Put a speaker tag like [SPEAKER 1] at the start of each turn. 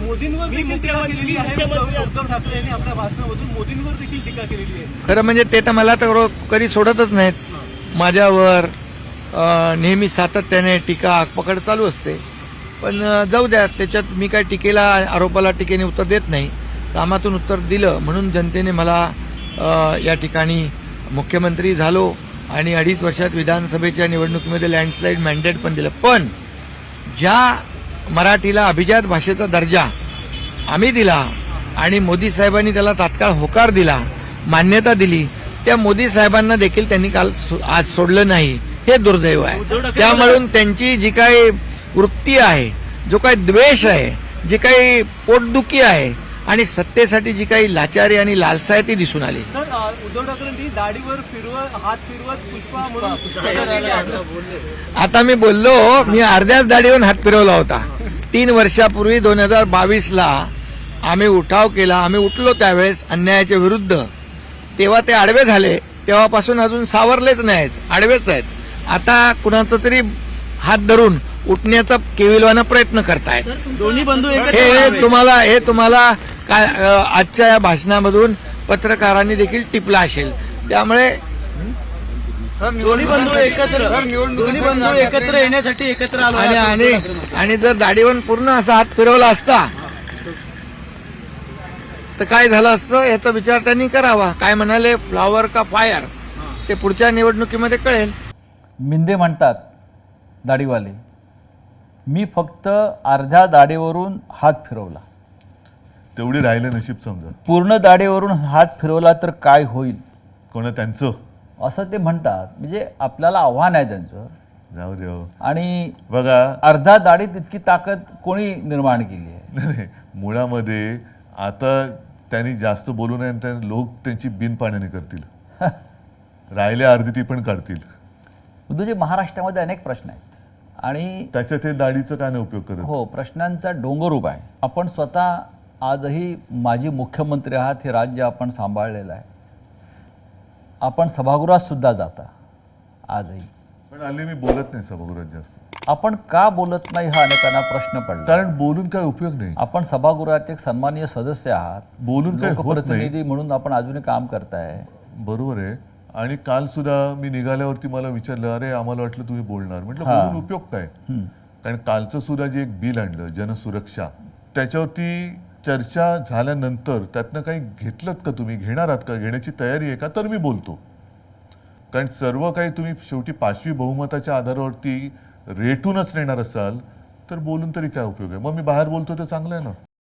[SPEAKER 1] मोदींवर देखील टीका केलेली आहे. उद्धव ठाकरे यांनी आपल्या भाषणामधून मोदींवर देखील टीका केलेली आहे.
[SPEAKER 2] खरं म्हणजे ते तर मला तर कधी सोडतच नाहीत. माझ्यावर नेहमी सातत्याने टीका आगपकड चालू असते. पण जाऊ द्या, त्याच्यात मी काय टीकेला आरोपाला टीकेने उत्तर देत नाही. कामातून उत्तर दिलं म्हणून जनतेने मला या ठिकाणी मुख्यमंत्री झालो आणि 2.5 वर्षात विधानसभेच्या निवडणुकीमध्ये लँडस्लाईड मॅन्डेट पण दिलं. पण ज्या मराठीला अभिजात भाषेचा दर्जा आम्ही दिला आणि मोदी साहेबांनी त्याला तात्काळ होकार दिला, मान्यता दिली, त्या मोदी साहेबांना देखील त्यांनी काल आज सोडलं नाही. हे दुर्दैव आहे. त्यामुळे त्यांची जी काही वृत्ती आहे, जो काही द्वेष आहे, जी काही पोटदुखी आहे आणि सत्तेसाठी जी काही लाचारी आणि लालसा आहे ती दिसून आली.
[SPEAKER 1] सर, उद्धव ठाकरेंनी दाढीवर हात फिरवत पुष्पा म्हणून
[SPEAKER 2] आता मी बोललो, मी अर्ध्याच दाढीवरून हात फिरवला होता. 3 वर्षापूर्वी 2022ला आम्ही उठाव केला. आम्ही उठलो त्यावेळेस अन्यायाच्या विरुद्ध. तेव्हा ते आडवे झाले. तेव्हापासून अजून सावरलेच नाहीत, आडवेच आहेत. आता कुणाचा तरी हात धरून उठण्याचा केविलवाना प्रयत्न करतायत.
[SPEAKER 1] दोन्ही बंधू
[SPEAKER 2] हे तुम्हाला काय आजच्या या भाषणामधून पत्रकारांनी देखील टिपला असेल. त्यामुळे
[SPEAKER 1] दोन्ही बंधू एकत्र येण्यासाठी एकत्र आलो
[SPEAKER 2] आणि जर दाढीवर पूर्ण असा हात फिरवला असता तर काय झालं असतं याचा विचार त्यांनी करावा. काय म्हणाले, फ्लॉवर का फायर, ते पुढच्या निवडणुकीमध्ये कळेल.
[SPEAKER 3] मिंदे म्हणतात दाढीवाले, मी फक्त अर्ध्या दाढीवरून हात फिरवला,
[SPEAKER 4] तेवढी राहिले नशीब समजा.
[SPEAKER 3] पूर्ण दाढीवरून हात फिरवला तर काय होईल,
[SPEAKER 4] कोणा त्यांचं
[SPEAKER 3] असं ते म्हणतात. म्हणजे आपल्याला आव्हान आहे त्यांचं.
[SPEAKER 4] जाऊ दे.
[SPEAKER 3] आणि
[SPEAKER 4] बघा,
[SPEAKER 3] अर्धा दाढीत इतकी ताकद कोणी निर्माण केली आहे?
[SPEAKER 4] नाही, मुळामध्ये आता त्यांनी जास्त बोलू नये, आणि लोक त्यांची बिनपाण्याने करतील. राहिल्या अर्धी ती पण काढतील.
[SPEAKER 3] उद्धवजी, महाराष्ट्रामध्ये अनेक प्रश्न आहेत आणि
[SPEAKER 4] त्याच्यात हे दाढीचं काय नाही उपयोग करत.
[SPEAKER 3] हो, प्रश्नांचा डोंगर उभा आहे. आपण स्वतः आजही माजी मुख्यमंत्री आहात. हे राज्य आपण सांभाळलेलं आहे. आपण सभागृहात सुद्धा जाता आजही.
[SPEAKER 4] पण हल्ली मी बोलत नाही सभागृहात जास्त.
[SPEAKER 3] आपण का बोलत नाही हा अनेकांना प्रश्न पडला.
[SPEAKER 4] कारण बोलून काय उपयोग नाही.
[SPEAKER 3] आपण सभागृहाचे एक सन्माननीय सदस्य आहात.
[SPEAKER 4] बोलून काय होत नाही.
[SPEAKER 3] लोकप्रतिनिधी म्हणून आपण अजूनही काम करताय.
[SPEAKER 4] बरोबर आहे. आणि काल सुद्धा मी निघाल्यावरती मला विचारलं, अरे आम्हाला वाटलं तुम्ही बोलणार. म्हटलं बोलून उपयोग काय. कारण कालचं सुद्धा जे एक बिल आणलं जनसुरक्षा, त्याच्यावरती चर्चा झाल्यानंतर त्यातनं काही घेतलं का, तुम्ही घेणार आहात का, घेण्याची तयारी आहे का, तर मी बोलतो. कारण सर्व काही तुम्ही शेवटी 5वी बहुमताच्या आधारावरती रेटूनच नेणार असाल तर बोलून तरी काय उपयोग आहे. मग मी बाहेर बोलतो ते चांगलं आहे ना.